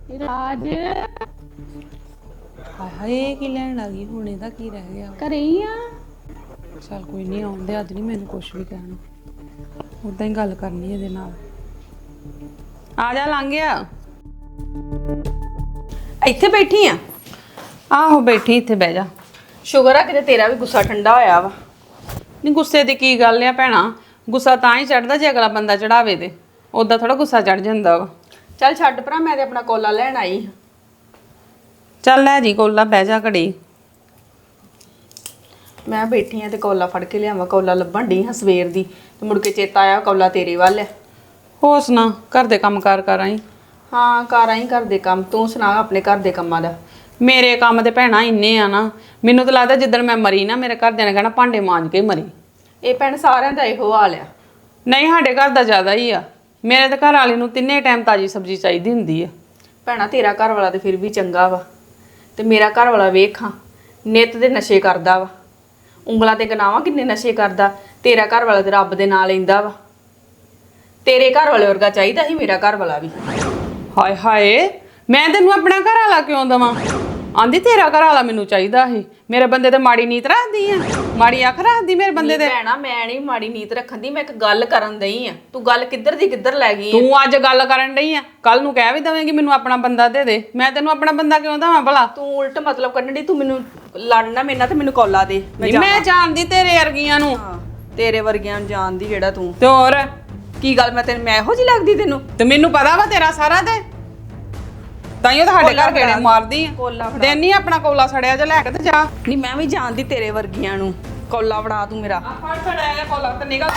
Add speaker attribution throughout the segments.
Speaker 1: ਰਾਜ
Speaker 2: ਹਾਏ ਕੀ ਲੈਣ ਆ ਗਈ ਹੁਣ ਇਹਦਾ ਕੀ ਰਹਿ ਗਿਆ
Speaker 1: ਘਰੇ ਹੀ ਆ।
Speaker 2: ਚੱਲ ਕੋਈ ਨਹੀਂ ਆਉਂਦੇ ਅੱਜ ਨਹੀਂ ਮੈਨੂੰ ਕੁਝ ਵੀ ਕਹਿਣਾ ਉਦਾਂ ਹੀ ਗੱਲ ਕਰਨੀ ਇਹਦੇ ਨਾਲ ਆ ਜਾ ਲੰਘ ਗਿਆ
Speaker 3: ਇੱਥੇ ਬੈਠੀ ਆ।
Speaker 2: ਆਹੋ ਬੈਠੀ ਇੱਥੇ ਬਹਿ ਜਾ
Speaker 3: ਸ਼ੁਗਰ ਆ ਕਿਤੇ ਤੇਰਾ ਵੀ ਗੁੱਸਾ ਠੰਡਾ ਹੋਇਆ ਵਾ।
Speaker 2: ਨਹੀਂ ਗੁੱਸੇ ਦੀ ਕੀ ਗੱਲ ਆ ਭੈਣਾ ਗੁੱਸਾ ਤਾਂ ਹੀ ਚੜਦਾ ਜੇ ਅਗਲਾ ਬੰਦਾ ਚੜਾਵੇ ਤੇ ਉਦਾਂ ਥੋੜਾ ਗੁੱਸਾ ਚੜ ਜਾਂਦਾ ਵਾ
Speaker 3: ਚੱਲ ਛੱਡ ਭਰਾ, ਮੈਂ ਤੇ ਆਪਣਾ ਕੋਲਾ ਲੈਣ ਆਈ ਹਾਂ।
Speaker 2: ਚੱਲ ਲੈ ਜੀ ਕੋਲਾ ਬਹਿ ਜਾ ਘੜੀ
Speaker 3: ਮੈਂ ਬੈਠੀ ਆ ਤੇ ਕੋਲਾ ਫੜ ਕੇ ਲਿਆਵਾਂ। ਕੋਲਾ ਲੱਭਣ ਡਈ ਹਾਂ ਸਵੇਰ ਦੀ ਤੇ ਮੁੜ ਕੇ ਚੇਤਾ ਆਇਆ ਕੋਲਾ ਤੇਰੇ ਵੱਲ ਹੈ।
Speaker 2: ਹੋਰ ਸੁਣਾ ਘਰ ਦੇ ਕੰਮ ਕਾਰ ਕਰ ਆਈ
Speaker 3: ਹਾਂ ਕਰ ਆਈ ਘਰ ਦੇ ਕੰਮ। ਤੂੰ ਸੁਣਾ ਆਪਣੇ ਘਰ ਦੇ ਕੰਮਾਂ ਦਾ।
Speaker 2: ਮੇਰੇ ਕੰਮ ਤੇ ਭੈਣਾ ਇੰਨੇ ਆ ਨਾ ਮੈਨੂੰ ਤਾਂ ਲੱਗਦਾ ਜਿੱਦਣ ਮੈਂ ਮਰੀ ਨਾ ਮੇਰੇ ਘਰਦਿਆਂ ਨੇ ਕਹਿਣਾ ਭਾਂਡੇ ਮਾਂਜ ਕੇ ਮਰੀ।
Speaker 3: ਇਹ ਭੈਣ ਸਾਰਿਆਂ ਦਾ ਇਹੋ ਹਾਲ ਆ।
Speaker 2: ਨਹੀਂ ਸਾਡੇ ਘਰ ਦਾ ਜ਼ਿਆਦਾ ਹੀ ਆ ਮੇਰੇ ਤੇ ਘਰ ਵਾਲੇ ਨੂੰ ਤਿੰਨੇ ਟਾਈਮ ਤਾਜੀ ਸਬਜ਼ੀ ਚਾਹੀਦੀ ਹੁੰਦੀ ਆ।
Speaker 3: ਭੈਣਾ ਤੇਰਾ ਘਰ ਵਾਲਾ ਤੇ ਫਿਰ ਵੀ ਚੰਗਾ ਵਾ ਤੇ ਮੇਰਾ ਘਰ ਵਾਲਾ ਵੇਖਾਂ ਨਿੱਤ ਦੇ ਨਸ਼ੇ ਕਰਦਾ ਵਾ। ਉਂਗਲਾਂ ਤੇ ਗਨਾਵਾਂ ਕਿੰਨੇ ਨਸ਼ੇ ਕਰਦਾ। ਤੇਰਾ ਘਰ ਵਾਲਾ ਤੇ ਰੱਬ ਦੇ ਨਾਂ ਲੈਂਦਾ ਵਾ। ਤੇਰੇ ਘਰ ਵਾਲੇ ਵਰਗਾ ਚਾਹੀਦਾ ਸੀ ਮੇਰਾ ਘਰ ਵਾਲਾ ਵੀ।
Speaker 2: ਹਾਏ ਹਾਏ ਮੈਂ ਤੈਨੂੰ ਆਪਣਾ ਘਰ ਵਾਲਾ ਕਿਉਂ ਦਵਾਂ ਆਂਦੀ ਤੇਰਾ ਘਰ ਵਾਲਾ ਮੈਨੂੰ ਚਾਹੀਦਾ ਸੀ। ਮੇਰੇ ਬੰਦੇ ਤੇ ਮਾੜੀ ਨੀਤ ਰੱਖਦੀ ਆ ਮਾੜੀ ਅੱਖ ਰੱਖਦੀ ਮੇਰੇ ਬੰਦੇ ਤੇ।
Speaker 3: ਭੈਣਾ ਮੈਂ ਨਹੀਂ ਮਾੜੀ ਨੀਤ ਰੱਖਣ ਦੀ, ਮੈਂ ਇੱਕ ਗੱਲ ਕਰਨ ਦਈ ਆ। ਤੂੰ ਗੱਲ ਕਿੱਧਰ ਦੀ ਕਿੱਧਰ ਲੈ ਗਈ ਆ।
Speaker 2: ਤੂੰ ਅੱਜ ਗੱਲ ਕਰਨ ਡਈ ਆ ਕੱਲ ਨੂੰ ਕਹਿ ਵੀ ਦਵੇਂਗੀ ਮੈਨੂੰ ਆਪਣਾ ਬੰਦਾ ਦੇ ਦੇ। ਮੈਂ ਤੈਨੂੰ ਆਪਣਾ ਬੰਦਾ ਕਿਉਂ ਦਵਾਂ ਭਲਾ।
Speaker 3: ਤੂੰ ਉਲਟ ਮਤਲਬ ਕੱਢਣ ਦੀ। ਤੂੰ ਮੈਨੂੰ ਲੜਨਾ ਮੇਰੇ ਨਾਲ ਤੇ ਮੈਨੂੰ ਕੋਲਾ ਦੇ।
Speaker 2: ਮੈਂ ਜਾਣਦੀ ਤੇਰੇ ਵਰਗੀਆਂ ਨੂੰ।
Speaker 3: ਹਾਂ ਤੇਰੇ ਵਰਗਿਆਂ ਨੂੰ ਜਾਣਦੀ ਜਿਹੜਾ ਤੂੰ।
Speaker 2: ਤੇ ਹੋਰ
Speaker 3: ਕੀ ਗੱਲ ਮੈਂ ਇਹੋ ਜਿਹੀ ਲੱਗਦੀ ਤੈਨੂੰ।
Speaker 2: ਤੇ ਮੈਨੂੰ ਪਤਾ ਵਾ ਤੇਰਾ ਸਾਰਾ ਤੇ ਤਾਈਓ ਤਾਂ ਸਾਡੇ ਘਰ ਗੇੜੇ ਮਾਰਦੀ ਆ।
Speaker 3: ਕੋਲਾ ਫੜਾ।
Speaker 2: ਦੇਨੀ ਆਪਣਾ ਕੋਲਾ ਸੜਿਆ ਜਾ ਲੈ ਕੇ ਤੇ ਜਾ।
Speaker 3: ਨਹੀਂ ਮੈਂ ਵੀ ਜਾਣਦੀ ਤੇਰੇ ਵਰਗੀਆਂ ਨੂੰ। ਕੋਲਾ ਫੜਾ ਤੂੰ ਮੇਰਾ।
Speaker 2: ਆ ਫੜ ਫੜਾਇਆ ਕੋਲਾ ਤੇ ਨਿਕਲ।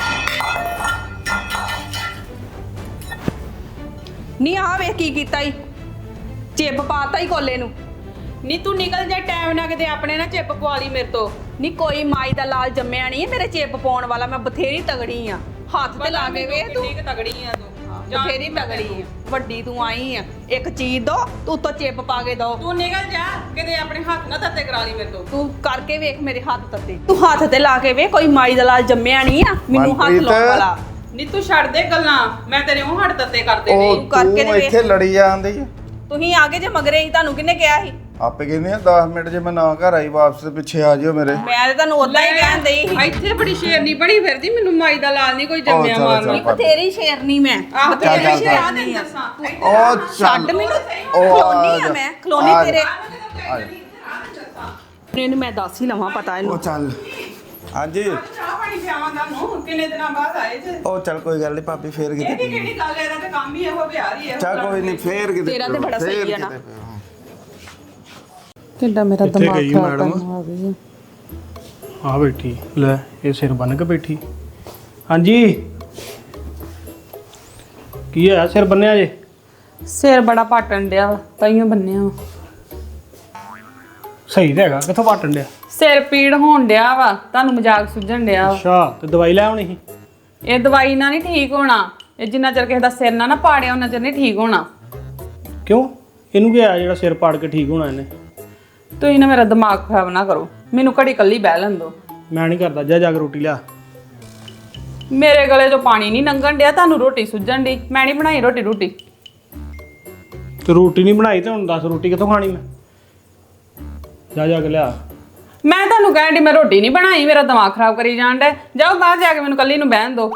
Speaker 3: ਨਹੀਂ ਆ ਵੇਖ ਕੀ ਕੀਤਾ ਈ। ਚਿੱਪ ਪਾਤਾ ਈ ਕੋਲੇ ਨੂੰ।
Speaker 2: ਨੀ ਤੂੰ ਨਿਕਲ ਜਾ ਟਾਈਮ ਨਾ ਕਿਤੇ ਆਪਣੇ ਨਾ ਚਿੱਪ ਪਵਾ ਲਈ ਮੇਰੇ ਤੋਂ।
Speaker 3: ਨਹੀਂ ਕੋਈ ਮਾਈ ਦਾ ਲਾਲ ਜੰਮਿਆ ਨਹੀਂ ਮੇਰੇ ਚਿੱਪ ਪਾਉਣ ਵਾਲਾ। ਮੈਂ ਬਥੇਰੀ ਤਗੜੀ ਆ। ਹੱਥ ਤੇ ਲਾ ਕੇ ਵੇਖ ਤੂੰ।
Speaker 2: ਕਿੰਨੀ ਤਗੜੀ ਆ ਤੂੰ
Speaker 3: ਬਥੇਰੀ ਤਗੜੀ ਆ। ਵੱਡੀ ਤੂੰ ਆਈ ਆ। ਇੱਕ ਚੀਜ਼ ਦੋ ਤੂੰ ਉੱਤੋਂ ਚਿੱਪ ਪਾ ਕੇ ਦੋ।
Speaker 2: ਤੂੰ ਨਿਕਲ ਜਾ ਕਿਤੇ ਆਪਣੇ ਹੱਥ ਨਾ ਤੱਤੇ ਕਰਾ ਲਈ ਮੇਰੇ ਤੋਂ।
Speaker 3: ਤੂੰ ਕਰਕੇ ਵੇਖ ਮੇਰੇ ਹੱਥ ਤੱਤੇ। ਤੂੰ ਹੱਥ ਤੇ ਲਾ ਕੇ ਵੇਖ ਕੋਈ ਮਾਈ ਦਾ ਲਾਲ ਜੰਮਿਆ ਨਹੀਂ ਆ ਮੈਨੂੰ ਹੱਥ ਲਾਉਣ ਵਾਲਾ।
Speaker 2: ਨੀ ਤੂੰ ਛੱਡ ਦੇ ਗੱਲਾਂ ਮੈਂ ਤੇਰੇ ਉਹ ਹੱਥ ਤੱਤੇ ਕਰਦੇ ਨੇ।
Speaker 4: ਉਹ
Speaker 3: ਕਰਕੇ
Speaker 4: ਤੂੰ
Speaker 3: ਤੇ
Speaker 4: ਇੱਥੇ ਲੜੀ ਜਾਂਦੀ ਆ।
Speaker 3: ਤੁਸੀਂ ਆਗੇ ਜੇ ਮਗਰੇ ਹੀ ਤੁਹਾਨੂੰ ਕਿਹਨੇ ਕਿਹਾ ਸੀ।
Speaker 4: ਆਪੇ ਕਹਿੰਦੇ ਆ 10 ਮਿੰਟ ਜੇ ਮੈਂ ਨਾ ਘਰ ਆਈ ਵਾਪਸ ਤੇ ਪਿੱਛੇ ਆ ਜਿਓ ਮੇਰੇ।
Speaker 3: ਮੈਂ ਤੇ ਤੁਹਾਨੂੰ ਉਦਾਂ ਹੀ ਕਹਿਣ ਦਈ ਸੀ।
Speaker 2: ਇੱਥੇ ਬੜੀ ਸ਼ੇਰਨੀ ਬਣੀ ਫਿਰਦੀ ਮੈਨੂੰ ਮਾਈ ਦਾ ਲਾਲ ਨਹੀਂ ਕੋਈ ਜੰਮਿਆ
Speaker 4: ਚੱਲ,
Speaker 2: ਮਾਰਨਾ।
Speaker 4: ਚੱਲ।
Speaker 3: ਬਥੇਰੀ ਸ਼ੇਰਨੀ ਮੈਂ।
Speaker 2: ਆਹ
Speaker 4: ਚੱਲ,
Speaker 2: ਤੇਰੀ
Speaker 4: ਚੱਲ।
Speaker 2: ਸ਼ੇਰਾਂ ਦੇ ਦੱਸਾਂ
Speaker 4: ਉਹ
Speaker 3: ਛੱਡ
Speaker 4: ਚੱਲ
Speaker 3: ਮੈਨੂੰ।
Speaker 4: ਉਹ
Speaker 3: ਖਲੋਨੀ ਆ ਮੈਂ ਖਲੋਨੀ
Speaker 4: ਆ
Speaker 3: ਤੇਰੇ।
Speaker 4: ਆ ਜਾ।
Speaker 3: ਇਹਨੂੰ ਮੈਂ ਦੱਸ ਹੀ ਲਵਾਂ ਪਤਾ
Speaker 4: ਉਹ
Speaker 3: ਇਹਨੂੰ।
Speaker 4: ਚੱਲ ਹਾਂਜੀ
Speaker 2: ਚਾਹ ਪਾਣੀ ਪਿਆਵਾਂ ਤੁਹਾਨੂੰ ਕਿੰਨੇ ਦਿਨਾਂ ਬਾਅਦ ਆਏ ਜੇ।
Speaker 4: ਉਹ ਚੱਲ ਕੋਈ ਗੱਲ ਨਹੀਂ ਭਾਬੀ ਫੇਰ
Speaker 2: ਇਹ
Speaker 4: ਕਿਤੇ
Speaker 2: ਕਿਹੜੀ ਗੱਲ ਇਹਦਾ ਤੇ ਕੰਮ ਹੀ ਇਹੋ ਵਿਆਹ ਹੀ ਇਹੋ।
Speaker 4: ਚੱਲ ਕੋਈ ਨਹੀਂ ਫੇਰ ਕਿਤੇ
Speaker 3: ਤੇਰਾ ਤੇ ਬੜਾ ਸਹੀ ਆ ਨਾ।
Speaker 2: ਕਿੱਡਾ ਮੇਰਾ
Speaker 5: ਕਿੱਥੇ
Speaker 2: ਦਿਮਾਗ
Speaker 5: ਗਈ
Speaker 2: ਖਰਾਬ
Speaker 5: ਮੈਡਮ?
Speaker 2: ਕਰਨ ਆ ਗਈ ਆ।
Speaker 5: ਆ ਬੈਠੀ ਲੈ ਇਹ ਸਿਰ ਬੰਨ ਕੇ ਬੈਠੀ। ਹਾਂਜੀ ਕੀ ਹੋਇਆ ਸਿਰ ਬੰਨਿਆ ਜੇ?
Speaker 2: ਸਿਰ ਬੜਾ ਪਾਟਣ ਡਿਆ ਤਾਈਓ ਬੰਨਿਆ ਵਾ।
Speaker 5: ਸਹੀ ਤਾਂ ਹੈਗਾ ਕਿੱਥੋਂ ਪਾਟਣ ਡਿਆ?
Speaker 2: ਸਿਰ ਪੀੜ ਹੋਣ ਡਿਆ ਵਾ ਤੁਹਾਨੂੰ ਮਜ਼ਾਕ ਸੁਝਣ ਡਿਆ ਵਾ।
Speaker 5: ਅੱਛਾ ਤੇ ਦਵਾਈ ਲੈ ਆਉਣੀ ਸੀ।
Speaker 2: ਇਹ ਦਵਾਈ ਨਾਲ ਨਹੀਂ ਠੀਕ ਹੋਣਾ। ਇਹ ਜਿੰਨਾ ਚਿਰ ਕਿਸੇ ਦਾ ਸਿਰ ਨਾ ਪਾੜਿਆ ਉਹਨਾਂ ਚਿਰ ਨਹੀਂ ਠੀਕ ਹੋਣਾ।
Speaker 5: ਕਿਉਂ ਇਹਨੂੰ ਕੀ ਆ ਜਿਹੜਾ ਸਿਰ ਪਾੜ ਕੇ ਠੀਕ ਹੋਣਾ ਇਹਨੇ?
Speaker 2: ਤੁਸੀਂ ਨਾ ਮੇਰਾ ਦਿਮਾਗ ਖਰਾਬ ਨਾ ਕਰੋ ਮੈਨੂੰ ਘੜੀ ਕੱਲੀ ਬਹਿ ਲੈਣ ਦਿਓ।
Speaker 5: ਮੈਂ ਨਹੀਂ ਕਰਦਾ ਜਾ ਕੇ ਰੋਟੀ ਲਿਆ।
Speaker 2: ਮੇਰੇ ਗਲੇ 'ਚੋਂ ਪਾਣੀ ਨਹੀਂ ਲੰਘਣ ਡਿਆ ਤੁਹਾਨੂੰ ਰੋਟੀ ਸੁੱਜਣ ਦੀ। ਮੈਂ ਨਹੀਂ ਬਣਾਈ ਰੋਟੀ।
Speaker 5: ਤੇ ਰੋਟੀ ਨਹੀਂ ਬਣਾਈ ਤੇ ਹੁਣ ਦੱਸ ਰੋਟੀ ਕਿੱਥੋਂ ਖਾਣੀ ਮੈਂ? ਜਾ ਕੇ ਲਿਆ।
Speaker 2: ਮੈਂ ਤੁਹਾਨੂੰ ਕਹਿਣ ਦੀ ਮੈਂ ਰੋਟੀ ਨਹੀਂ ਬਣਾਈ ਮੇਰਾ ਦਿਮਾਗ ਖਰਾਬ ਕਰੀ ਜਾਣ ਡਿਆ। ਜਾਓ ਬਾਹਰ ਜਾ ਕੇ ਮੈਨੂੰ ਕੱਲੀ ਨੂੰ ਬਹਿਣ ਦਿਓ।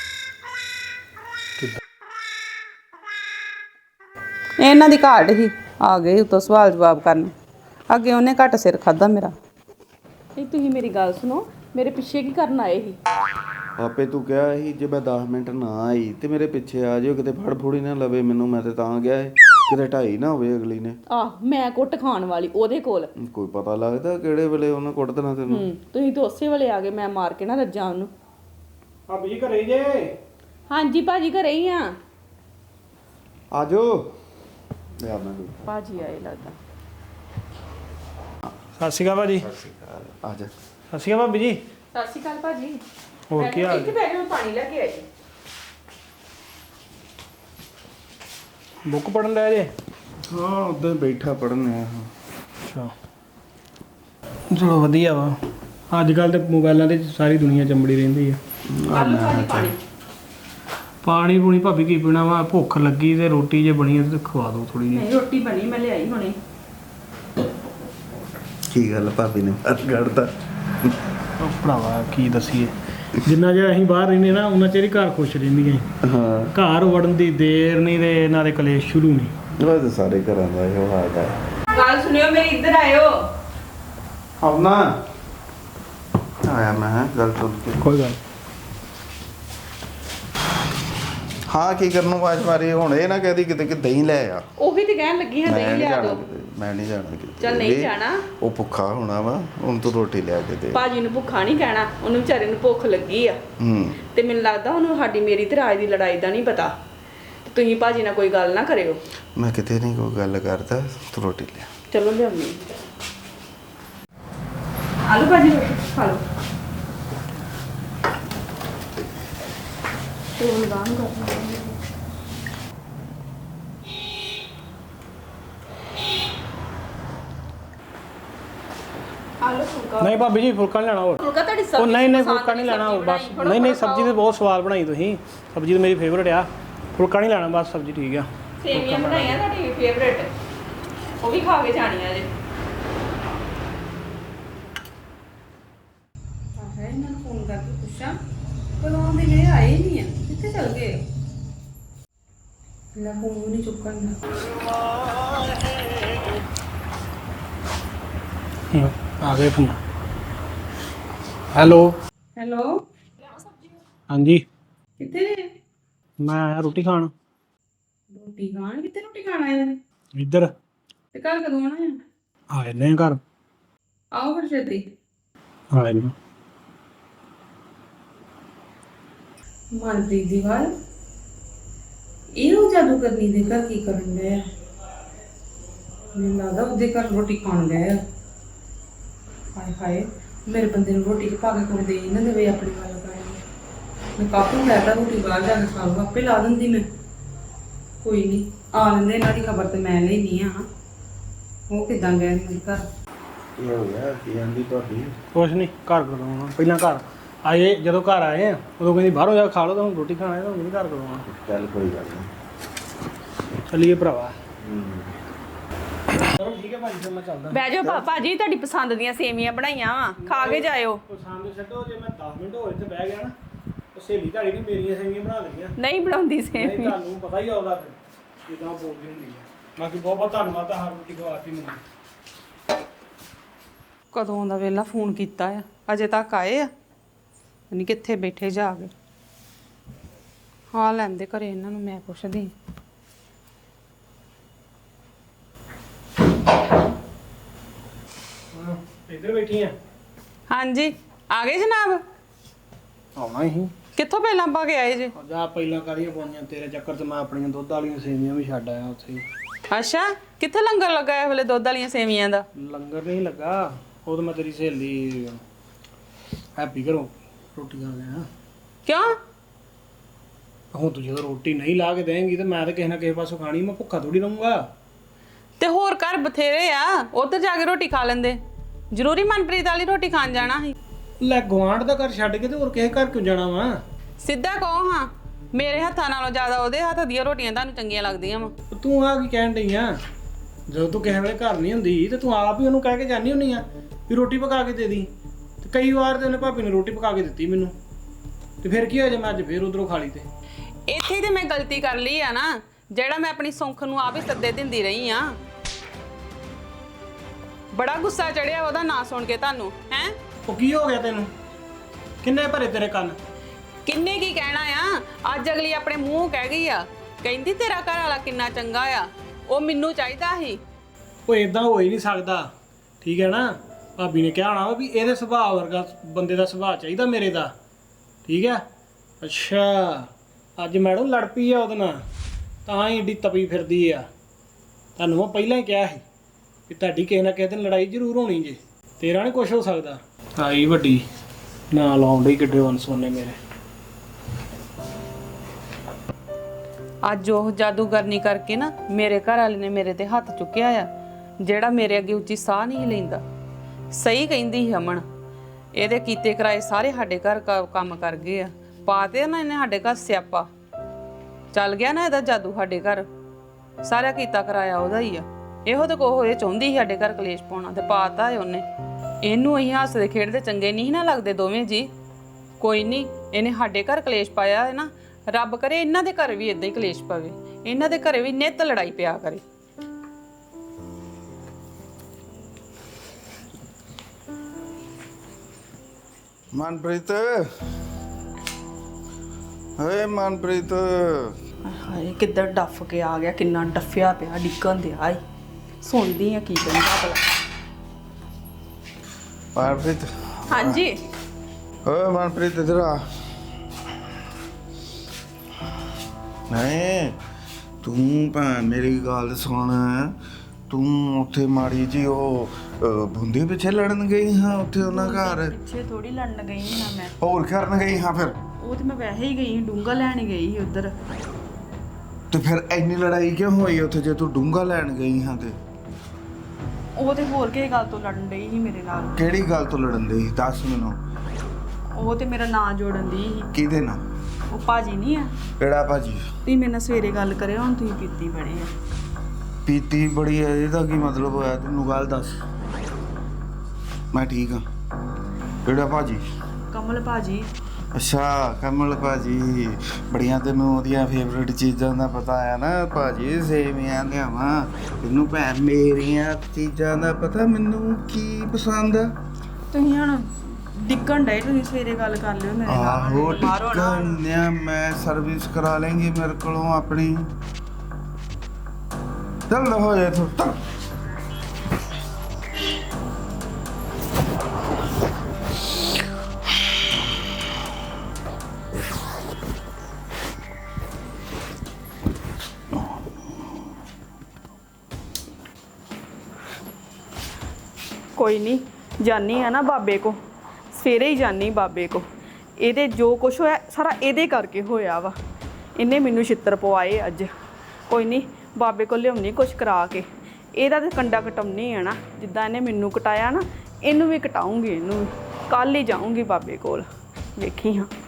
Speaker 2: ਇਹਨਾਂ ਦੀ ਘਾਟ ਹੀ ਆ ਗਏ ਉਤੋਂ ਸਵਾਲ ਜਵਾਬ ਕਰਨ। ਅੱਗੇ ਉਹਨੇ ਘੱਟ ਸਿਰ ਖਾਦਾ ਮੇਰਾ।
Speaker 3: ਨਹੀਂ ਤੁਸੀਂ ਮੇਰੀ ਗੱਲ ਸੁਣੋ। ਮੇਰੇ ਪਿੱਛੇ ਕੀ ਕਰਨ ਆਏ ਸੀ?
Speaker 4: ਆਪੇ ਤੂੰ ਕਿਹਾ ਸੀ ਜੇ ਮੈਂ 10 ਮਿੰਟ ਨਾ ਆਈ ਤੇ ਮੇਰੇ ਪਿੱਛੇ ਆ ਜਿਓ ਕਿਤੇ ਫੜ ਫੂੜੀ ਨਾ ਲਵੇ ਮੈਨੂੰ। ਮੈਂ ਤੇ ਤਾਂ ਗਿਆ ਸੀ ਕਿਤੇ ਢਾਈ ਨਾ ਹੋਵੇ ਅਗਲੀ ਨੇ।
Speaker 3: ਆਹ ਮੈਂ ਕੁੱਟ ਖਾਣ ਵਾਲੀ ਉਹਦੇ ਕੋਲ।
Speaker 4: ਕੋਈ ਪਤਾ ਲੱਗਦਾ ਕਿਹੜੇ ਵੇਲੇ ਉਹਨੇ ਕੁੱਟ ਦੇਣਾ ਤੈਨੂੰ।
Speaker 3: ਤੁਸੀਂ ਤਾਂ ਉਸੇ ਵੇਲੇ ਆ ਗਏ। ਮੈਂ ਮਾਰ ਕੇ ਨਾ ਰੱਜਾਂ ਉਹਨੂੰ।
Speaker 5: ਭਾਬੀ ਜੀ ਘਰੇ ਜੇ?
Speaker 3: ਹਾਂਜੀ ਭਾਜੀ ਘਰੇ ਹੀ ਆ।
Speaker 4: ਆ ਜਾਓ ਲੈ ਆ ਮੈਂ
Speaker 3: ਭਾਜੀ ਆਏ ਲੱਗਦਾ।
Speaker 5: ਸਤਿ ਸ਼੍ਰੀ ਅਕਾਲ ਭਾਜੀ।
Speaker 4: ਆ ਜਾ।
Speaker 5: ਸਤਿ ਸ਼੍ਰੀ ਅਕਾਲ ਭਾਬੀ ਜੀ।
Speaker 3: ਸਤਿ ਸ਼੍ਰੀ ਅਕਾਲ ਭਾਜੀ।
Speaker 5: ਹੋਰ ਕੀ ਹਾਲ?
Speaker 3: ਇੱਥੇ ਬੈਠ ਕੇ ਮੈਂ ਪਾਣੀ ਲੈ ਕੇ ਆਈ।
Speaker 5: ਬੁੱਕ ਪੜਨ ਲੈ ਜੇ?
Speaker 4: ਹਾਂ ਉਦੋਂ ਬੈਠਾ ਪੜਨ ਆ।
Speaker 5: ਅੱਛਾ ਚਲੋ ਵਧੀਆ ਵਾ। ਅੱਜ ਕੱਲ ਤੇ ਮੋਬਾਈਲਾਂ ਤੇ ਸਾਰੀ ਦੁਨੀਆ ਚੰਬੜੀ ਰਹਿੰਦੀ ਆ। ਪਾਣੀ ਪੂਣੀ ਭਾਬੀ ਕੀ ਪੀਣਾ ਵਾ, ਭੁੱਖ ਲੱਗੀ ਤੇ ਰੋਟੀ ਜੇ ਬਣੀ ਤੇ ਖਵਾ ਦਿਓ ਥੋੜੀ ਜਿਹੀ।
Speaker 3: ਨਹੀਂ ਰੋਟੀ ਬਣੀ, ਮੈਂ ਲਿਆਈ ਹੁਣੇ।
Speaker 4: ਕੀ ਗੱਲ ਭਾਬੀ ਨੇ ਬਾਹਰ ਕੱਢਤਾ?
Speaker 5: ਉਹ ਭਰਾਵਾ ਕੀ ਦੱਸੀਏ, ਜਿੰਨਾ ਚਿਰ ਅਸੀਂ ਬਾਹਰ ਰਹਿੰਦੇ ਨਾ ਉਹਨਾਂ ਚਿਰ ਹੀ ਘਰ ਖੁਸ਼ ਰਹਿੰਦੀਆਂ।
Speaker 4: ਹਾਂ
Speaker 5: ਘਰ ਵੜਨ ਦੀ ਦੇਰ ਨਹੀਂ ਤੇ ਇਹਨਾਂ ਦੇ ਕਲੇਸ਼ ਸ਼ੁਰੂ ਨਹੀਂ।
Speaker 4: ਉਹ ਤਾਂ ਸਾਰੇ ਘਰਾਂ ਦਾ ਇਹੋ ਹਾਲ ਹੈ।
Speaker 3: ਗੱਲ ਸੁਣਿਓ ਮੇਰੀ, ਇੱਧਰ ਆਇਓ।
Speaker 4: ਆਉਣਾ ਆਇਆ ਮੈਂ ਗੱਲ ਸੁਣ ਕੇ।
Speaker 5: ਕੋਈ ਗੱਲ
Speaker 4: ਹਾਂ ਕੀ ਕਰਨ ਨੂੰ ਆਵਾਜ਼ ਮਾਰੀ? ਹੁਣ ਇਹ ਨਾ ਕਹਦੀ ਕਿਤੇ ਕਿ ਦਹੀਂ ਲੈ ਆ।
Speaker 3: ਉਹੀ ਤੇ ਕਹਿਣ ਲੱਗੀ ਹਾਂ,
Speaker 4: ਮੈਂ
Speaker 3: ਦਹੀਂ
Speaker 4: ਨਹੀਂ
Speaker 3: ਲਿਆ
Speaker 4: ਜਾਣਾ
Speaker 3: ਦਿਓ।
Speaker 4: ਕਿਤੇ, ਮੈਂ ਨਹੀਂ ਜਾਣਾ ਕਿਤੇ।
Speaker 3: ਚੱਲ ਨਹੀਂ
Speaker 4: ਇਹ-
Speaker 3: ਜਾਣਾ।
Speaker 4: ਉਹ ਭੁੱਖਾ ਹੋਣਾ ਵਾ, ਹੁਣ ਤੂੰ ਰੋਟੀ ਲਿਆ ਕੇ ਦੇ।
Speaker 3: ਭਾਜੀ ਨੂੰ ਭੁੱਖਾ ਨਹੀਂ ਕਹਿਣਾ, ਉਹਨੂੰ ਵਿਚਾਰੇ ਨੂੰ ਭੁੱਖ ਲੱਗੀ ਆ। ਤੇ ਮੈਨੂੰ ਲੱਗਦਾ ਉਹਨੂੰ ਸਾਡੀ ਮੇਰੀ ਤੇ ਰਾਜ ਦੀ ਲੜਾਈ ਦਾ ਨਹੀਂ ਪਤਾ। ਤੇ ਤੁਸੀਂ ਭਾਜੀ ਨਾਲ ਕੋਈ ਗੱਲ ਨਾ ਕਰਿਓ।
Speaker 4: ਮੈਂ ਕਿਤੇ ਨਹੀਂ ਕੋਈ ਗੱਲ ਕਰਦਾ, ਤੂੰ ਰੋਟੀ ਲਿਆ।
Speaker 3: ਚਲੋ ਲਿਆਉਣੀ। ਆਲੂ ਭਾਜੀ ਰੋਟੀ ਖਾ ਲਓ। ਤੇ ਹੁਣ ਗਾਂ ਕਰ ਆਲੂ ਫੁਲਕਾ।
Speaker 5: ਨਹੀਂ ਭਾਬੀ ਜੀ ਫੁਲਕਾ ਨਹੀਂ ਲੈਣਾ ਹੋਰ।
Speaker 3: ਫੁਲਕਾ ਤੁਹਾਡੀ ਸਬਜ਼ੀ
Speaker 5: ਉਹ ਨਹੀਂ
Speaker 3: ਪਸੰਦ
Speaker 5: ਫੁਲਕਾ ਨਹੀਂ
Speaker 3: ਦੀ
Speaker 5: ਲੈਣਾ ਹੋਰ
Speaker 3: ਸਬਜ਼ੀ
Speaker 5: ਬਸ।
Speaker 3: ਬਣਾਈ,
Speaker 5: ਨਹੀਂ
Speaker 3: ਥੋੜ੍ਹਾ
Speaker 5: ਸਬਜ਼ੀ ਤੇ ਬਹੁਤ ਸਵਾਦ ਬਣਾਈ ਤੁਸੀਂ, ਸਬਜ਼ੀ ਤਾਂ ਮੇਰੀ ਫੇਵਰਟ ਆ। ਫੁਲਕਾ ਨਹੀਂ ਲੈਣਾ ਬਸ, ਸਬਜ਼ੀ ਠੀਕ ਆ।
Speaker 3: ਸੇਵੀਆਂ ਬਣਾਈਆਂ ਤੁਹਾਡੀ ਫੇਵਰੇਟ, ਉਹ ਵੀ ਖਾ ਕੇ ਜਾਣੀਆਂ ਜੇ।
Speaker 2: ਹੈ ਇਹਨਾਂ ਨੂੰ ਫੋਨ ਕਰਕੇ ਪੁੱਛਾਂ ਕਦੋਂ ਆਉਂਦੇ ਨੇ, ਆਏ ਨਹੀਂ ਆ, ਕਿੱਥੇ ਚਲ ਗਏ? ਲੈ ਫੋਨ ਨਹੀਂ ਚੁੱਕਣ ਦਾ।
Speaker 5: ਆ ਗਏ ਫੋਨ। ਹੈਲੋ
Speaker 2: ਹੈਲੋ,
Speaker 5: ਹਾਂਜੀ,
Speaker 2: ਕਿੱਥੇ ਨੇ?
Speaker 5: ਮੈਂ ਆਇਆ ਰੋਟੀ ਖਾਣ
Speaker 2: ਰੋਟੀ ਖਾਣ? ਕਿੱਥੇ ਰੋਟੀ ਖਾਣ ਆਏ ਨੇ?
Speaker 5: ਇੱਧਰ।
Speaker 2: ਤੇ ਘਰ ਕਦੋਂ ਆਉਣਾ ਹੈ?
Speaker 5: ਆਏ ਨੇ ਘਰ,
Speaker 2: ਆਓ ਫਿਰ ਛੇਤੀ।
Speaker 5: ਆਏ ਨੇ।
Speaker 2: ਮਨਪ੍ਰੀਤ ਦੀ ਵਾਰ ਇਹਨੂੰ ਜਾਦੂ ਕਰਨੀ ਦੇ ਘਰ ਕੀ ਕਰਨ ਗਏ ਆ? ਮੈਨੂੰ ਲੱਗਦਾ ਉਹਦੇ ਘਰ ਰੋਟੀ ਖਾਣ ਗਏ ਆ। ਹਾਏ ਹਾਏ, ਮੇਰੇ ਬੰਦੇ ਨੂੰ ਰੋਟੀ ਚ ਪਾ ਕੇ ਕੋਈ ਦੇ ਹੀ ਨਾ ਦੇਵੇ ਆਪਣੀ ਗੱਲ ਕਰਨ। ਮੈਂ ਕਾਪੂ ਲੈਤਾ ਰੋਟੀ ਬਾਹਰ ਜਾ ਕੇ ਖਾ ਲਊ, ਆਪੇ ਲਾ ਦਿੰਦੀ ਮੈਂ। ਕੋਈ ਨਹੀਂ, ਆ ਲੈਂਦੇ, ਇਹਨਾਂ ਦੀ ਖਬਰ ਤੇ ਮੈਂ ਲੈਣੀ ਆ। ਉਹ ਕਿੱਦਾਂ ਗਏ ਮੇਰੇ ਘਰ?
Speaker 4: ਕੀ ਹੋ ਗਿਆ? ਕੀ ਆਂਦੀ ਤੁਹਾਡੀ?
Speaker 5: ਕੁਛ ਨਹੀਂ, ਘਰ ਕਦੋਂ ਆਉਣਾ? ਪਹਿਲਾਂ ਘਰ ਆਏ, ਜਦੋਂ ਘਰ ਆਏ ਆ ਉਦੋਂ ਕਹਿੰਦੀ ਬਾਹਰੋਂ ਜਾ ਕੇ ਖਾ ਲਓ, ਤਾਂ ਹੁਣ ਰੋਟੀ ਖਾਣ ਆਏ ਤਾਂ ਹੁਣ ਨਹੀਂ ਘਰ ਕਦੋਂ ਆਉਣਾ।
Speaker 4: ਚੱਲ ਕੋਈ ਗੱਲ ਨਹੀਂ।
Speaker 5: ਚੱਲੀਏ ਭਰਾਵਾ। ਚਲੋ ਠੀਕ ਹੈ ਭਾਜੀ, ਫਿਰ ਮੈਂ ਚੱਲਦਾ।
Speaker 3: ਬਹਿ ਜਾਓ ਭਾਜੀ, ਤੁਹਾਡੀ ਪਸੰਦ ਦੀਆਂ ਸੇਵੀਆਂ ਬਣਾਈਆਂ ਵਾ, ਖਾ ਕੇ ਜਾਇਓ।
Speaker 5: ਪਸੰਦ ਛੱਡੋ, ਜੇ ਮੈਂ 10 ਮਿੰਟ ਹੋਰ ਇੱਥੇ ਬਹਿ ਗਿਆ ਨਾ ਉਹ ਸਹੇਲੀ ਤੁਹਾਡੀ ਨੇ ਮੇਰੀਆਂ ਸੇਵੀਆਂ ਬਣਾ ਦੇਣੀਆਂ।
Speaker 3: ਨਹੀਂ ਬਣਾਉਂਦੀ
Speaker 5: ਨਹੀਂ
Speaker 3: ਸੇਵੀ।
Speaker 5: ਤੁਹਾਨੂੰ ਪਤਾ ਹੀ ਆਉਂਦਾ ਫਿਰ ਕਿਦਾਂ ਬੋਲਦੀ ਹੁੰਦੀ ਹੈ। ਬਾਕੀ ਬਹੁਤ ਬਹੁਤ ਧੰਨਵਾਦ ਆ, ਹਰ ਰੋਟੀ ਖਵਾਤੀ ਮੈਨੂੰ।
Speaker 2: ਕਦੋਂ ਦਾ ਵੇਲਾ ਫੋਨ ਕੀਤਾ ਆ, ਅਜੇ ਤੱਕ ਆਏ ਆ ਨਹੀਂ? ਕਿੱਥੇ ਬੈਠੇ ਜਾ ਕੇ? ਹਾਂ ਲੈਂਦੇ ਘਰੇ ਇਹਨਾਂ ਨੂੰ, ਮੈਂ ਪੁੱਛਦੀ।
Speaker 5: ਇੱਧਰ ਬੈਠੀ ਆ?
Speaker 2: ਹਾਂਜੀ, ਆ ਗਏ ਜਨਾਬ?
Speaker 5: ਆਉਣਾ ਹੀ।
Speaker 2: ਕਿੱਥੋਂ ਪਹਿਲਾਂ ਪਾ ਕੇ ਆਏ ਜੇ?
Speaker 5: ਜਾ ਪਹਿਲਾਂ ਕਾਹਦੀਆਂ ਪਾਉਣੀਆਂ ਤੇਰੇ ਚੱਕਰ 'ਚ, ਮੈਂ ਆਪਣੀਆਂ ਦੁੱਧ ਵਾਲੀਆਂ ਸੇਵੀਆਂ ਵੀ ਛੱਡ ਆਇਆ ਉੱਥੇ ਹੀ।
Speaker 2: ਅੱਛਾ, ਕਿੱਥੇ ਲੰਗਰ ਲੱਗਾ ਇਹ ਵੇਲੇ ਦੁੱਧ ਵਾਲੀਆਂ ਸੇਵੀਆਂ ਦਾ?
Speaker 5: ਲੰਗਰ ਨਹੀਂ ਲੱਗਾ, ਉਹ ਤਾਂ ਮੈਂ ਤੇਰੀ ਸਹੇਲੀ ਹੈਪੀ ਘਰੋਂ ਰੋਟੀ ਖਾ ਗਿਆ।
Speaker 2: ਕਿਉਂ?
Speaker 5: ਹੁਣ ਤੂੰ ਜਦੋਂ ਰੋਟੀ ਨਹੀਂ ਲਾ ਕੇ ਦੇਂਗੀ ਤੇ ਮੈਂ ਤਾਂ ਕਿਸੇ ਨਾ ਕਿਸੇ ਪਾਸੋਂ ਖਾਣੀ, ਮੈਂ ਭੁੱਖਾ ਥੋੜੀ ਰਹੂੰਗਾ।
Speaker 2: ਤੇ ਹੋਰ ਘਰ ਬਥੇਰੇ ਆ, ਉੱਧਰ ਜਾ ਕੇ ਰੋਟੀ ਖਾ ਲੈਂਦੇ। ਜ਼ਰੂਰੀ ਮਨਪ੍ਰੀਤ ਵਾਲੀ ਰੋਟੀ ਖਾਣ ਜਾਣਾ ਸੀ?
Speaker 5: ਲੈ ਗੁਆਂਢ ਦਾ ਘਰ ਛੱਡ ਕੇ ਤੇ ਹੋਰ ਕਿਸੇ ਘਰ ਕਿਉਂ ਜਾਣਾ ਵਾ?
Speaker 2: ਸਿੱਧਾ ਕਹੋ ਹਾਂ, ਮੇਰੇ ਹੱਥਾਂ ਨਾਲੋਂ ਜ਼ਿਆਦਾ ਉਹਦੇ ਹੱਥ ਦੀਆਂ ਰੋਟੀਆਂ ਤੁਹਾਨੂੰ ਚੰਗੀਆਂ ਲੱਗਦੀਆਂ ਵਾ।
Speaker 5: ਤੂੰ ਆ ਕੀ ਕਹਿਣ ਡਈ ਆ? ਜਦੋਂ ਤੂੰ ਕਿਸੇ ਵੇਲੇ ਘਰ ਨਹੀਂ ਹੁੰਦੀ ਤੇ ਤੂੰ ਆਪ ਹੀ ਉਹਨੂੰ ਕਹਿ ਕੇ ਜਾਂਦੀ ਹੁੰਨੀ ਆ ਵੀ ਰੋਟੀ ਪਕਾ ਕੇ ਦੇ ਦੀ। ਤੇ ਕਈ ਵਾਰ ਤੇ ਉਹਨੇ ਭਾਬੀ ਨੇ ਰੋਟੀ ਪਕਾ ਕੇ ਦਿੱਤੀ ਮੈਨੂੰ, ਤੇ ਫਿਰ ਕੀ ਹੋਇਆ ਜੇ ਮੈਂ ਅੱਜ ਫੇਰ ਉਧਰੋਂ ਖਾ ਲਈ ਤੇ?
Speaker 2: ਇੱਥੇ ਤੇ ਮੈਂ ਗਲਤੀ ਕਰ ਲਈ ਆ ਨਾ, ਜਿਹੜਾ ਮੈਂ ਆਪਣੀ ਸੁੱਖ ਨੂੰ ਆਪ ਹੀ ਸੱਦੇ ਦਿੰਦੀ ਰਹੀ ਆ। ਬੜਾ ਗੁੱਸਾ ਚੜਿਆ ਉਹਦਾ ਨਾਂ ਸੁਣ ਕੇ ਤੁਹਾਨੂੰ, ਹੈ?
Speaker 5: ਉਹ ਕੀ ਹੋ ਗਿਆ ਤੈਨੂੰ? ਕਿੰਨੇ ਭਰੇ ਤੇਰੇ ਕੰਨ?
Speaker 2: ਕਿੰਨੇ ਕੀ ਕਹਿਣਾ ਆ? ਅੱਜ ਅਗਲੀ ਆਪਣੇ ਮੂੰਹ ਕਹਿ ਗਈ ਆ, ਕਹਿੰਦੀ ਤੇਰਾ ਘਰ ਵਾਲਾ ਕਿੰਨਾ ਚੰਗਾ ਆ, ਉਹ ਮੈਨੂੰ ਚਾਹੀਦਾ ਸੀ।
Speaker 5: ਉਹ ਇਦਾਂ ਹੋ ਹੀ ਨਹੀਂ ਸਕਦਾ, ਠੀਕ ਹੈ ਨਾ? ਭਾਬੀ ਨੇ ਕਿਹਾ ਹੋਣਾ ਵੀ ਇਹਦੇ ਸੁਭਾਅ ਵਰਗਾ ਬੰਦੇ ਦਾ ਸੁਭਾਅ ਚਾਹੀਦਾ ਮੇਰੇ ਦਾ, ਠੀਕ ਹੈ? ਅੱਛਾ, ਅੱਜ ਮੈਡਮ ਲੜ ਪਈ ਆ ਉਹਦੇ ਨਾਲ, ਤਾਂ ਹੀ ਏਡੀ ਤਪੀ ਫਿਰਦੀ ਆ। ਤੁਹਾਨੂੰ ਮੈਂ ਪਹਿਲਾਂ ਹੀ ਕਿਹਾ ਸੀ ਕਿ ਤੁਹਾਡੀ ਕਿਸੇ ਨਾ ਕਿਸੇ ਦਿਨ ਲੜਾਈ ਜ਼ਰੂਰ ਹੋਣੀ ਜੇ, ਤੇਰਾ ਨਹੀਂ ਕੁਛ ਹੋ ਸਕਦਾ। ਆਈ ਵੱਡੀ ਨਾ ਲਾਉਣ ਡਈ ਕਿੱਡੇ ਵੰਸੋਨੇ ਮੇਰੇ।
Speaker 2: ਅੱਜ ਉਹ ਜਾਦੂਗਰਨੀ ਕਰਕੇ ਨਾ ਮੇਰੇ ਘਰ ਵਾਲੇ ਨੇ ਮੇਰੇ ਤੇ ਹੱਥ ਚੁੱਕਿਆ ਆ, ਜਿਹੜਾ ਮੇਰੇ ਅੱਗੇ ਉੱਚੀ ਸਾਹ ਨਹੀਂ ਲੈਂਦਾ। ਸਹੀ ਕਹਿੰਦੀ ਸੀ ਅਮਨ, ਇਹਦੇ ਕੀਤੇ ਕਰਾਏ ਸਾਰੇ ਸਾਡੇ ਘਰ ਕੰਮ ਕਰ ਗਏ ਆ, ਪਾਤੇ ਨਾ ਇਹਨੇ ਸਾਡੇ ਘਰ ਸਿਆਪਾ। ਚੱਲ ਗਿਆ ਨਾ ਇਹਦਾ ਜਾਦੂ ਸਾਡੇ ਘਰ, ਸਾਰਾ ਕੀਤਾ ਕਰਾਇਆ ਉਹਦਾ ਹੀ ਆ। ਇਹੋ ਤਾਂ ਕੋਹ ਇਹ ਚਾਹੁੰਦੀ ਸੀ ਸਾਡੇ ਘਰ ਕਲੇਸ਼ ਪਾਉਣਾ, ਤੇ ਪਾਤਾ ਹੈ ਉਹਨੇ। ਇਹਨੂੰ ਅਸੀਂ ਹੱਸਦੇ ਖੇਡਦੇ ਚੰਗੇ ਨਹੀਂ ਨਾ ਲੱਗਦੇ ਦੋਵੇਂ ਜੀ। ਕੋਈ ਨਹੀਂ, ਇਹਨੇ ਸਾਡੇ ਘਰ ਕਲੇਸ਼ ਪਾਇਆ ਹੈ ਨਾ, ਰੱਬ ਕਰੇ ਇਹਨਾਂ ਦੇ ਘਰ ਵੀ ਇਦਾਂ ਹੀ ਕਲੇਸ਼ ਪਵੇ, ਇਹਨਾਂ ਦੇ ਘਰੇ ਵੀ ਨਿੱਤ ਲੜਾਈ ਪਿਆ ਕਰੇ।
Speaker 4: ਮਨਪ੍ਰੀਤ, ਓਏ ਮਨਪ੍ਰੀਤ,
Speaker 3: ਹਾਏ ਕਿੱਧਰ ਡੱਫ ਕੇ ਆ ਗਿਆ, ਕਿੰਨਾ ਡੱਫਿਆ ਪਿਆ, ਡਿੱਗਣ ਦਿਆ ਈ। ਸੁਣਦੀ ਆ ਕੀ ਕਹਿੰਦਾ ਭਲਾ।
Speaker 4: ਮਨਪ੍ਰੀਤ,
Speaker 3: ਹਾਂਜੀ
Speaker 4: ਓਏ ਮਨਪ੍ਰੀਤ ਇੱਧਰ ਆ। ਨਹੀਂ ਤੂੰ ਭੈਣ ਮੇਰੀ ਗੱਲ ਸੁਣ, ਤੂੰ ਉੱਥੇ ਮਾੜੀ ਜੀ ਉਹ ਬੁੰਦੇ ਪਿੱਛੇ ਲੜਨ ਗਈ ਹਾਂ ਉੱਥੇ ਉਹਨਾਂ ਘਰ?
Speaker 3: ਪਿੱਛੇ ਥੋੜੀ ਲੜਨ ਗਈ ਹਾਂ ਮੈਂ,
Speaker 4: ਹੋਰ ਕਰਨ ਗਈ ਹਾਂ ਫਿਰ?
Speaker 3: ਉਹ ਤੇ ਮੈਂ ਵੈਸੇ ਹੀ ਗਈ, ਡੂੰਗਾ ਲੈਣ ਗਈ ਸੀ ਉਧਰ।
Speaker 4: ਤੇ ਫਿਰ ਇੰਨੀ ਲੜਾਈ ਕਿਉਂ ਹੋਈ ਉੱਥੇ ਜੇ ਤੂੰ ਡੂੰਗਾ ਲੈਣ ਗਈ ਹਾਂ ਤੇ?
Speaker 3: ਉਹ ਤੇ ਹੋਰ ਕਿਸੇ ਗੱਲ ਤੋਂ ਲੜਨ ਡਈ ਸੀ ਮੇਰੇ ਨਾਲ।
Speaker 4: ਕਿਹੜੀ ਗੱਲ ਤੋਂ ਲੜਨ ਦੀ ਦੱਸ ਮੈਨੂੰ।
Speaker 3: ਉਹ ਤੇ ਮੇਰਾ ਨਾਂ ਜੋੜਨ ਦੀ ਸੀ।
Speaker 4: ਕਿਹਦੇ ਨਾਲ?
Speaker 3: ਉਹ ਭਾਜੀ ਨਹੀਂ ਆ,
Speaker 4: ਕਿਹੜਾ ਭਾਜੀ?
Speaker 3: ਤੁਸੀਂ ਮੇਰੇ ਨਾਲ ਸਵੇਰੇ ਗੱਲ ਕਰਿਓ, ਹੁਣ ਤੁਸੀਂ ਪੀਤੀ ਬੜੀ ਆ।
Speaker 4: ਪੀਤੀ ਬੜੀ ਹੈ ਇਹਦਾ ਕੀ ਮਤਲਬ ਹੋਇਆ? ਤੈਨੂੰ ਗੱਲ ਦੱਸ। ਮੈਂ ਠੀਕ ਹਾਂ। ਕਿਹੜਾ ਭਾਜੀ?
Speaker 3: ਕਮਲ ਭਾਜੀ।
Speaker 4: ਅੱਛਾ ਕਮਲ ਭਾਜੀ, ਬੜੀਆਂ ਤੈਨੂੰ ਉਹਦੀਆਂ ਫੇਵਰੇਟ ਚੀਜ਼ਾਂ ਦਾ ਪਤਾ ਹੈ ਨਾ ਭਾਜੀ। ਸੇਵੀਆਂ ਲਿਆਵਾਂ ਤੈਨੂੰ ਭੈਣ, ਮੇਰੀਆਂ ਚੀਜ਼ਾਂ ਦਾ ਪਤਾ ਮੈਨੂੰ ਕੀ ਪਸੰਦ ਆ।
Speaker 3: ਤੁਸੀਂ ਹੁਣ ਡਿੱਗਣ ਡਏ, ਤੁਸੀਂ ਸਵੇਰੇ ਗੱਲ ਕਰ ਲਿਓ ਮੇਰੇ ਨਾਲ।
Speaker 4: ਆਹੋ
Speaker 3: ਮਾਰੋ ਨਾ।
Speaker 4: ਟਿਕਣਿਆ ਮੈਂ ਸਰਵਿਸ ਕਰਾ ਲੈਂਗੀ ਮੇਰੇ ਕੋਲੋਂ ਆਪਣੀ। ਚੱਲ ਹੋ ਜਾ ਤੂੰ ਚੱਲ।
Speaker 3: ਕੋਈ ਨਹੀਂ, ਜਾਨੀ ਆ ਨਾ ਬਾਬੇ ਕੋ, ਸਵੇਰੇ ਹੀ ਜਾਨੀ ਬਾਬੇ ਕੋ। ਇਹਦੇ ਜੋ ਕੁਛ ਹੋਇਆ ਸਾਰਾ ਇਹਦੇ ਕਰਕੇ ਹੋਇਆ ਵਾ, ਇਹਨੇ ਮੈਨੂੰ ਛਿੱਤਰ ਪਵਾਏ ਅੱਜ। ਕੋਈ ਨਹੀਂ, ਬਾਬੇ ਕੋਲ ਲਿਆਉਣੀ ਕੁਛ ਕਰਾ ਕੇ, ਇਹਦਾ ਤੇ ਕੰਡਾ ਕਟਾਉਣੀ ਆ ਨਾ, ਜਿੱਦਾਂ ਇਹਨੇ ਮੈਨੂੰ ਕਟਾਇਆ ਨਾ, ਇਹਨੂੰ ਵੀ ਕਟਾਉਂਗੀ। ਇਹਨੂੰ ਵੀ ਕੱਲ੍ਹ ਹੀ ਜਾਊਂਗੀ ਬਾਬੇ ਕੋਲ, ਵੇਖੀ ਹਾਂ।